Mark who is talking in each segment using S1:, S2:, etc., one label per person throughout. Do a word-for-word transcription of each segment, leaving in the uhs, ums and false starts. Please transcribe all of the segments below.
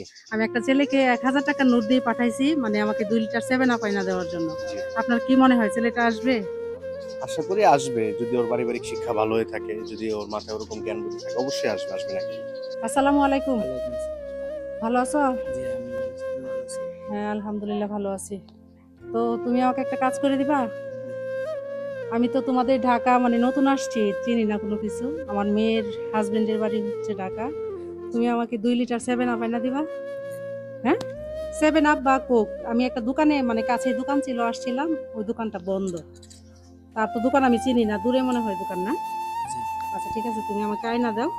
S1: আমি একটা ছেলেকে এক হাজার টাকার নোট দিয়ে পাঠাইছি, মানে আমাকে দুই লিটার সেভেন আপ আইনা দেওয়ার জন্য।
S2: জি।
S1: আপনার কি মনে হয় ছেলেটা আসবে?
S2: আশা করি আসবে, যদি ওর পারিবারিক শিক্ষা ভালো হয়ে থাকে, যদি ওর মাথায় ওরকম জ্ঞান বুদ্ধি থাকে, অবশ্যই আসবে। আসবে না কেন?
S1: আসসালামু আলাইকুম।
S3: ওয়ালাইকুম আসসালাম।
S1: ভালো আছো?
S3: জি, আমি ভালো আছি। তুমি ভালো আছো?
S1: হ্যাঁ, আলহামদুলিল্লাহ ভালো আছি। তো তুমি আমাকে একটা কাজ করে দিবা?
S3: জি।
S1: আমি তো তোমাদের ঢাকা মানে নতুন আসছি, চিনি না কোনো কিছু। আমার মেয়ের হাজবেন্ডের বাড়ি হচ্ছে ঢাকা। তুমি আমাকে দুই লিটার সেভেন আপ আইনা দিবা? হ্যাঁ, সেভেন আপ বা কোক। আমি একটা দোকানে মানে কাছে দোকান ছিল, আসছিলাম, ওই দোকানটা বন্ধ। তার তো দোকান আমি চিনি না, দূরে মনে হয় দোকান, না?
S3: জি।
S1: আচ্ছা ঠিক আছে, তুমি আমাকে আয়না দাও,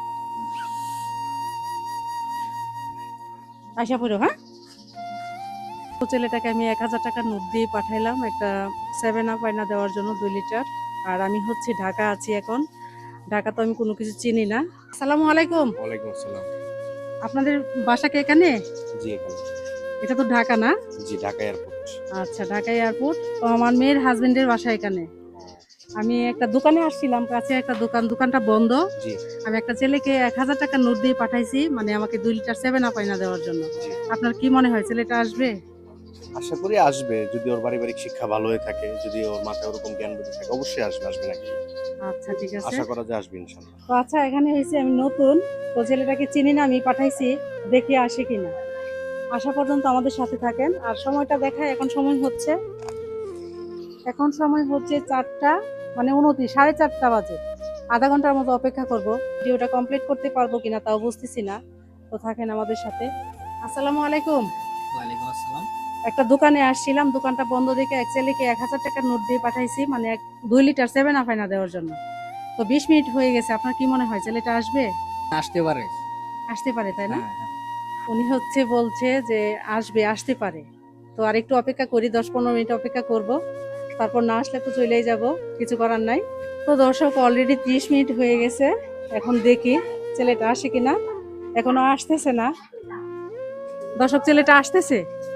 S1: আশা পড়ো, হ্যাঁ। তো ছেলেটাকে আমি এক হাজার টাকার নোট দিয়ে পাঠাইলাম একটা সেভেন আপ আয়না দেওয়ার জন্য দুই লিটার। আর আমি হচ্ছে ঢাকা আছি এখন। ঢাকা তো আমি কোনো কিছু চিনি না। আসসালামু আলাইকুম।
S2: ওয়ালাইকুম আসসালাম।
S1: আপনাদের বাসা কি এখানে?
S2: জি, এখানে।
S1: এটা তো ঢাকা, না?
S2: জি, ঢাকা এয়ারপোর্ট।
S1: আচ্ছা, ঢাকা এয়ারপোর্ট। তো আমার মেয়ের হাজবেন্ডের বাসা এখানে। আমি একটা দোকানে আসছিলাম, কাছে একটা দোকান, দোকানটা বন্ধ।
S2: জি,
S1: আমি একটা ছেলেকে এক হাজার টাকার নোট দিয়ে পাঠাইছি, মানে আমাকে দুই লিটার সেভেন আপ আইনা দেওয়ার জন্য।
S2: জি।
S1: আপনার কি মনে হয় ছেলেটা আসবে?
S2: আশা করি আসবে, যদি ওর পারিবারিক শিক্ষা ভালো হয়ে থাকে, যদি ওর মাথায় ওরকম জ্ঞান বুদ্ধি থাকে, অবশ্যই আসবে। আসবে না কেন?
S1: আচ্ছা ঠিক আছে।
S2: আশা করা যায় আসবে ইনশাল্লাহ।
S1: তো আচ্ছা, এখানে হয়েছে আমি নতুন, তো ছেলেটাকে চিনি না, আমি পাঠাইছি, দেখি আসে কিনা। আসা পর্যন্ত আমাদের সাথে থাকেন। আর সময়টা দেখায়, এখন সময় হচ্ছে এখন সময় হচ্ছে চারটা মানে উনত্রিশ, সাড়ে চারটা বাজে। আধা ঘন্টার মতো অপেক্ষা করব। ভিডিওটা কমপ্লিট করতে পারবো কিনা তাও বুঝতেছি না। তো থাকেন আমাদের সাথে। আসসালামু আলাইকুম।
S3: ওয়ালাইকুম আসসালাম।
S1: একটা দোকানে আসছিলাম, দোকানটা বন্ধ দেখে এক ছেলেকে এক হাজার টাকার নোট দিয়ে পাঠাইছি, মানে এক দুই লিটার সেভেন আপ আইনা দেওয়ার জন্য। তো বিশ মিনিট হয়ে গেছে, আপনার কি মনে হয় ছেলেটা আসবে?
S3: আসতে পারে।
S1: আসতে পারে, তাই না?
S3: হ্যাঁ, হ্যাঁ।
S1: উনি হচ্ছে বলছে যে আসবে, আসতে পারে। তো আর একটু অপেক্ষা করি, দশ পনেরো মিনিট অপেক্ষা করব। তারপর না আসলে তো চলেই যাব, কিছু করার নাই। তো দর্শক, অলরেডি ত্রিশ মিনিট হয়ে গেছে। এখন দেখি ছেলেটা আসে কিনা। এখনো আসতেছে না। দর্শক, ছেলেটা আসতেছে?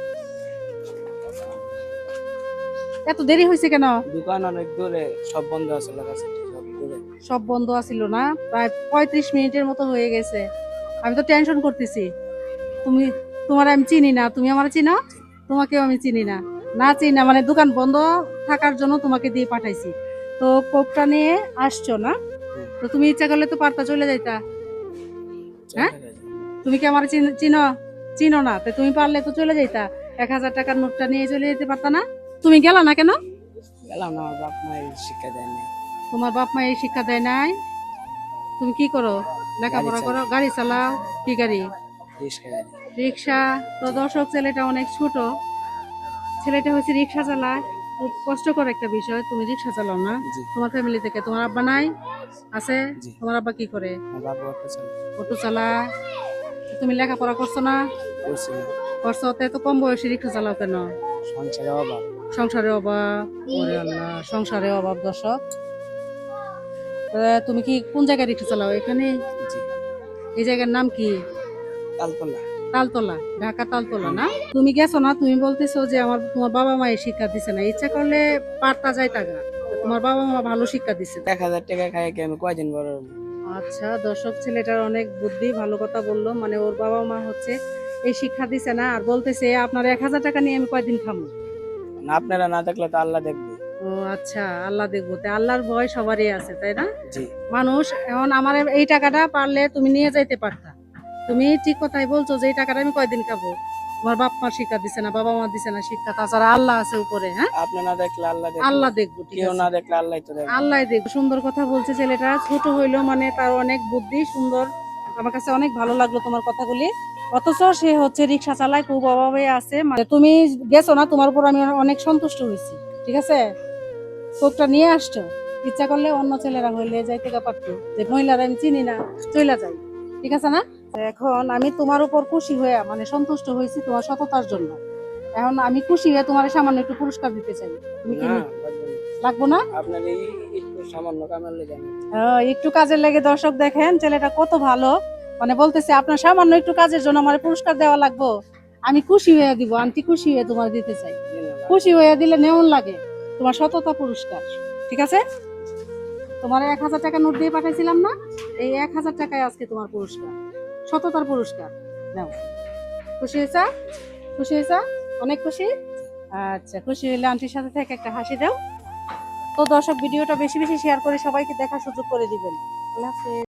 S1: এত দেরি হয়েছে কেন?
S3: দোকান অনেক দূরে, সব বন্ধ আছে, লাগাছে সব দূরে।
S1: সব বন্ধ আছিল, না? প্রায় পঁয়ত্রিশ মিনিটের মতো হয়ে গেছে। আমি তো টেনশন করতেছি। তুমি, তোমার আমি চিনি না, তুমি আমার চিনো? তোমাকেও আমি চিনি না। না চিনি না মানে দোকান বন্ধ থাকার জন্য তোমাকে দিয়ে পাঠাইছি। তো কোকটা নিয়ে আসছো, না?
S3: হুম।
S1: তো তুমি ইচ্ছা করলে তো পারতা চলে যাইতা। হ্যাঁ,
S3: চলে গেছে।
S1: তুমি কি আমার চিন- চিনো? চিনো না তো তুমি পারলে তো চলে যাইতা। এক হাজার টাকার নোটটা নিয়ে চলে যেতে পারতা না? তুমি গেলা না কেন?
S3: গেলাম না, আমার বাপ মায়ের শিক্ষা দেয়নি।
S1: তোমার বাপ মা এই শিক্ষা দেয় নাই? তুমি কি করো?
S3: গাড়ি
S1: লেখাপড়া করো,
S3: চালাই,
S1: গাড়ি চালাও? কি গাড়ি?
S3: রিক্সা গাড়ি।
S1: রিক্সা? তো দর্শক, ছেলেটা অনেক ছোট, ছেলেটা হচ্ছে রিক্সা চালায়। খুব কষ্টকর একটা বিষয়, তুমি রিক্সা চালাও না?
S3: জি।
S1: তোমার ফ্যামিলি থেকে তোমার আব্বা নাই? আছে?
S3: জি।
S1: তোমার আব্বা কি করে?
S3: আমার বাবা অটো চালায়।
S1: অটো চালায়। তুমি লেখাপড়া করছো না?
S3: করছি না।
S1: করছো, তো এত কম বয়সে রিক্সা চালাও কেন?
S3: সংসারে অভাব।
S1: সংসারে অভাব? ওরে আল্লাহ, সংসারে অভাব। দর্শক, তুমি কি কোন জায়গায় রিক্সা চালাও? এখানে?
S3: জি।
S1: এই জায়গার নাম কি?
S3: তালতলা।
S1: তালতলা, ঢাকা তালতলা,
S3: হুম।
S1: না? তুমি গেছো না, তুমি বলতেছো যে আমার তোমার বাবা মা এই শিক্ষা দিছে না, ইচ্ছা করলে পারতা যায় টাকা। তোমার বাবা মা ভালো শিক্ষা দিছে।
S3: এক হাজার টাকা খাই কি আমি কয়দিন বড় হবো?
S1: আচ্ছা দর্শক, ছেলেটার অনেক বুদ্ধি, ভালো কথা বললো, মানে ওর বাবা মা হচ্ছে এই শিক্ষা দিছে না, আর বলতেছে আপনার এক হাজার টাকা নিয়ে আমি কয়দিন খাবো।
S3: না, আপনারা না দেখলে তো আল্লাহ দেখবে।
S1: ও আচ্ছা, আল্লাহ দেখবো, তাই আল্লাহর ভয় সবারই আছে, তাই না?
S3: জি।
S1: মানুষ এখন আমার এই টাকাটা পারলে তুমি নিয়ে যাইতে পারতা। তুমি ঠিক কথাই বলছো যে এই টাকাটা আমি কয়দিন খাবো। তোমার বাপ মা শিক্ষা দিছে না, বাবা মা দিছে না শিক্ষা, তাছাড়া আল্লাহ আছে উপরে, হ্যাঁ?
S3: আপনি না দেখলে আল্লাহ দেখবে।
S1: আল্লাহ দেখবো, ঠিক
S3: কেউ
S1: আছে।
S3: না দেখলে আল্লাহ তো দেখবে।
S1: আল্লাহ দেখবো। সুন্দর কথা বলছে ছেলেটা, ছোট হইলো মানে তার অনেক বুদ্ধি, সুন্দর। আমার কাছে অনেক ভালো লাগলো তোমার কথাগুলি। অথচ সে হচ্ছে রিক্সা চালায়, খুব অভাবে আছে। মানে তুমি গেছো না, তোমার উপর আমি অনেক সন্তুষ্ট হয়েছি, ঠিক আছে। কোকটা নিয়ে আসছো, ইচ্ছা করলে অন্য ছেলেরা হইলে যাইতে পারতো, যে মহিলারা আমি চিনি না, চইলা যাই, ঠিক আছে না? এখন আমি তোমার উপর খুশি হয়ে মানে সন্তুষ্ট হয়েছি তোমার সততার জন্য। এখন আমি খুশি হয়ে তোমার সামান্য একটু পুরস্কার দিতে চাই। তুমি কি
S3: না,
S1: নি-
S3: লাগবে না।
S1: লাগবো না?
S3: আপনার এই একটু সামান্য কামের লেগে আমি
S1: আহ, একটু কাজের লেগে। দর্শক দেখেন ছেলেটা কত ভালো, মানে বলতেছে আপনার সামান্য একটু কাজের জন্য আমার পুরস্কার দেওয়া লাগবো। আমি খুশি হয়ে দিব, আন্টি খুশি হয়ে তোমার দিতে চাই।
S3: দিলাম।
S1: খুশি হয়ে দিলে নেমন লাগে, তোমার সততা পুরস্কার, ঠিক আছে। তোমার এক হাজার টাকা নোট দিয়ে পাঠাইছিলাম না, এই এক হাজার টাকায় আজকে তোমার পুরস্কার, সততার পুরস্কার। নাও। খুশি হয়েছা? খুশি হয়েছা? অনেক খুশি? আচ্ছা, খুশি হলে আন্টির সাথে থেকে একটা হাসি দাও। তো দর্শক, ভিডিওটা বেশি বেশি শেয়ার করে সবাইকে দেখার সুযোগ করে দিবেন। আল্লাহ হাফেজ।